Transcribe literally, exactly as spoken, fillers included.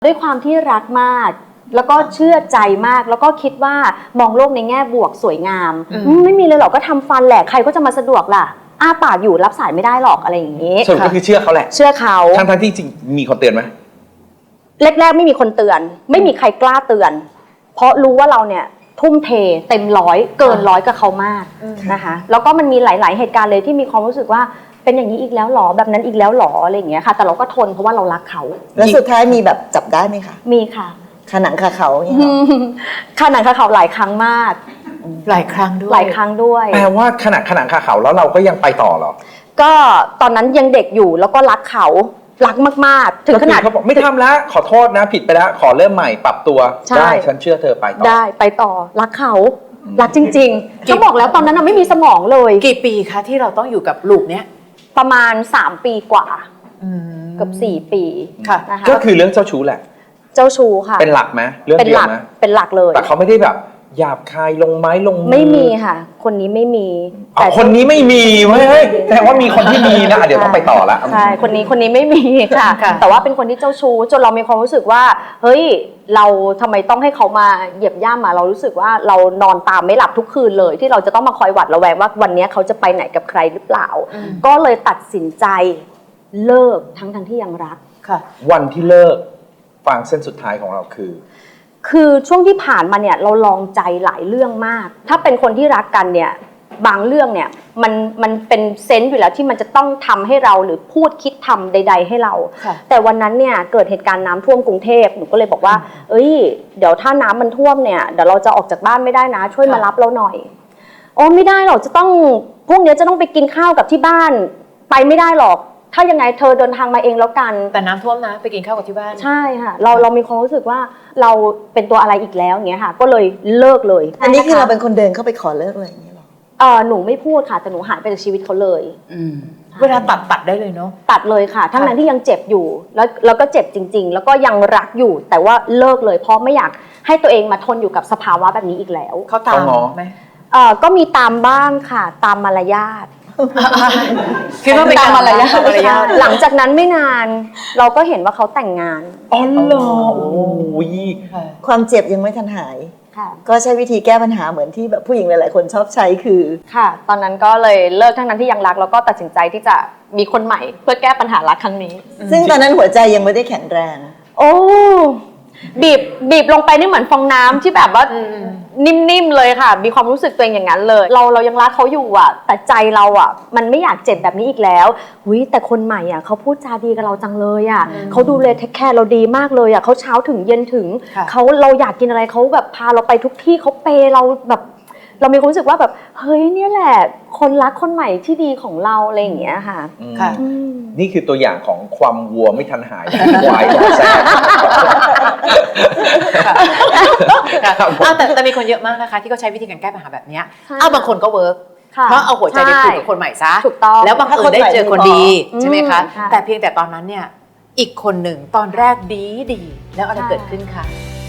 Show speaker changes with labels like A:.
A: ด้วยความที่รักมากแล้วก็เชื่อใจมากแล้วก็คิดว่ามองโลกในแง่บวกสวยงามไม่มีเลยหรอกก็ทำฟันแหละใครก็จะมาสะดวกล่ะอ้าปากอยู่รับสายไม่ได้หรอกอะไรอย่างนี้
B: สรุปก็คือเชื่อเขาแหละ
A: เชื่อเขา
B: ทั้งทั้งที่จริงมีคนเตือนไหม
A: แรกๆไม่มีคนเตือนไม่มีใครกล้าเตือนเพราะรู้ว่าเราเนี่ยทุ่มเทเต็มร้อยเกินร้อยกับเขามากนะคะแล้วก็มันมีหลายๆเหตุการณ์เลยที่มีความรู้สึกว่าเป็นอย่างนี้อีกแล้วหรอแบบนั้นอีกแล้วหรออะไรอย่างเงี้ยค่ะแต่เราก็ทนเพราะว่าเรารักเขา
C: แล้วสุดท้ายมีแบบจับได้ไหมคะ
A: มีค่ะ
C: ขนังคาเขาอย่างเงี้ย
A: ขนังคาเขาหลายครั้งมาก
D: หลายครั้งด้วย
A: หลายครั้งด้วย
B: แปลว่าขนาดขนังคาเขาแล้วเราก็ยังไปต่อเหรอ
A: ก็ตอนนั้นยังเด็กอยู่แล้วก็รักเขารักมากๆถึงขนาด
B: เขาบอกไม่ทำแล้วขอโทษนะผิดไปแล้วขอเริ่มใหม่ปรับตัวได้ฉันเชื่อเธอไปต่อ
A: ได้ไปต่อรักเขารักจริงๆก็บอกแล้วตอนนั้นไม่มีสมองเลย
D: กี่ปีคะที่เราต้องอยู่กับลูกเนี้ย
A: ประมาณสามปีกว่าเกือบสี่ปี
D: ค่ะ
A: นะคะ
B: ก็คือเรื่องเจ้าชู้แหละ
A: เจ้าชู้ค่ะ
B: เป็นหลักไหมเรื่องเดียวไหม
A: เป็นหลักเลย
B: แต่เขาไม่ได้แบบหยาบคายลงไม้ลงมือ
A: ไม่มีค่ะคนนี้ไม่มี
B: แต่คนนี้ไม่มีเฮ้ยแต่ว่ามีคนที่มีนะเดี๋ยวต้องไปต่อละ
A: ใช่คนนี้คนนี้ไม่มีค่ะแต่ว่าเป็นคนที่เจ้าชู้จนเรามีความรู้สึกว่าเฮ้ยเราทำไมต้องให้เขามาเหยียบย่ำมาเรารู้สึกว่าเรานอนตามไม่หลับทุกคืนเลยที่เราจะต้องมาคอยหวัดระแวงว่าวันนี้เขาจะไปไหนกับใครหรือเปล่าก็เลยตัดสินใจเลิกทั้งทั้งที่ยังรัก
D: ค่ะ
B: วันที่เลิกฟังเส้นสุดท้ายของเราคือ
A: คือช่วงที่ผ่านมาเนี่ยเราลองใจหลายเรื่องมากถ้าเป็นคนที่รักกันเนี่ยบางเรื่องเนี่ยมันมันเป็นเซนส์อยู่แล้วที่มันจะต้องทำให้เราหรือพูดคิดทำใดๆให้เราแต่วันนั้นเนี่ยเกิดเหตุการณ์น้ำท่วมกรุงเทพหนูก็เลยบอกว่าเอ้ยเดี๋ยวถ้าน้ำมันท่วมเนี่ยเดี๋ยวเราจะออกจากบ้านไม่ได้นะช่วยมารับเราหน่อยโอ้ไม่ได้หรอกจะต้องพวกนี้จะต้องไปกินข้าวกับที่บ้านไปไม่ได้หรอกถ้ายังไงเธอเดินทางมาเองแล้วกัน
D: แต่น้ำท่วมนะไปกินข้าวกับที่บ้าน
A: ใช่ค่ะเราเรามีความรู้สึกว่าเราเป็นตัวอะไรอีกแล้วอย่างเงี้ยค่ะก็เลยเลิกเลย
C: อันนี้คือเราเป็นคนเดินเข้าไปขอเลิกเลยอย่างเงี้ยหรอ
A: เออหนูไม่พูดค่ะแต่หนูหายไปจากชีวิตเขาเลย
D: เวลาตัดตัดได้เลยเนาะ
A: ตัดเลยค่ะทั้งนั้นที่ยังเจ็บอยู่แล้วแล้วก็เจ็บจริงๆแล้วก็ยังรักอยู่แต่ว่าเลิกเลยเพราะไม่อยากให้ตัวเองมาทนอยู่กับสภาวะแบบนี้อีกแล้ว
D: เขาตามไหม
A: เออก็มีตามบ้างค่ะตามมารยาท
D: คิดว่าเป็นการมารยาท
A: หลังจากนั้นไม่นานเราก็เห็นว่าเขาแต่งงาน
B: อ๋อเหรอโอ้ย
C: ความเจ็บยังไม่ทันหายก็ใช้วิธีแก้ปัญหาเหมือนที่แบบผู้หญิงหลายๆคนชอบใช้คือ
A: ค่ะตอนนั้นก็เลยเลิกทั้งนั้นที่ยังรักแล้วก็ตัดสินใจที่จะมีคนใหม่เพื่อแก้ปัญหารักครั้งนี้
C: ซึ่งตอนนั้นหัวใจยังไม่ได้แข็งแรง
A: โอ้บีบบีบลงไปนี่เหมือนฟองน้ำที่แบบว่านิ่มๆเลยค่ะมีความรู้สึกตัวเองอย่างนั้นเลยเราเรายังรักเขาอยู่อ่ะแต่ใจเราอ่ะมันไม่อยากเจ็บแบบนี้อีกแล้วหุยแต่คนใหม่อ่ะเขาพูดจาดีกับเราจังเลยอ่ะเขาดูแลเทคแคร์เราดีมากเลยอ่ะเขาเช้าถึงเย็นถึงเขาเราอยากกินอะไรเขาแบบพาเราไปทุกที่เขาเปย์เราแบบเรามีความรู้สึกว่าแบบเฮ้ยเนี่ยแหละคนรักคนใหม่ที่ดีของเราอะไรอย่างเงี้ยค่ะ
B: ค่ะนี่คือตัวอย่างของความวัวไม่ทันหายควายแซ่
D: บแต่แต่มีคนเยอะมากนะคะที่เขาใช้วิธีการแก้ปัญหาแบบนี้อ้าวบางคนก็เวิร์กเพราะเอาหัวใจไปผูกกับคนใหม่ซะ
A: ถูกต้อง
D: แล้วบางคนได้เจอคนดีใช่ไหมคะแต่เพียงแต่ตอนนั้นเนี่ยอีกคนหนึ่งตอนแรกดีดีแล้วอะไรเกิดขึ้นคะ